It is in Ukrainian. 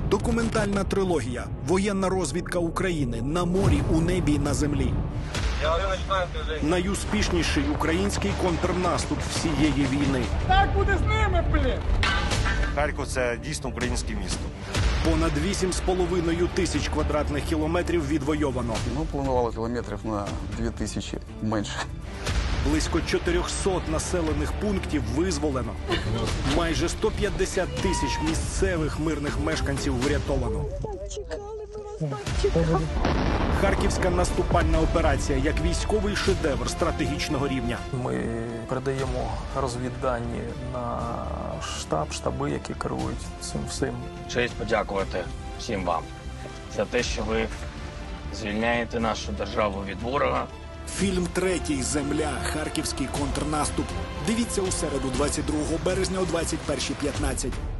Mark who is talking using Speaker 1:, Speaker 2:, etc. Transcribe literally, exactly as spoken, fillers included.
Speaker 1: Документальна трилогія «Воєнна розвідка України» на морі, у небі і на землі. Найуспішніший український контрнаступ всієї війни.
Speaker 2: Так буде з ними, блін!
Speaker 3: Харків – це дійсно українське місто.
Speaker 1: Понад вісім з половиною тисяч квадратних кілометрів відвойовано.
Speaker 4: Ми планували кілометрів на дві тисячі менше.
Speaker 1: Близько чотирьохсот населених пунктів визволено. Майже сто п'ятдесят тисяч місцевих мирних мешканців врятовано. Харківська наступальна операція як військовий шедевр стратегічного рівня.
Speaker 5: Ми передаємо розвіддані на штаб, штаби, які керують цим всім.
Speaker 6: Честь подякувати всім вам за те, що ви звільняєте нашу державу від ворога.
Speaker 1: Фільм «Третій. Земля. Харківський контрнаступ». Дивіться у середу, двадцять другого березня о двадцять першій п'ятнадцять.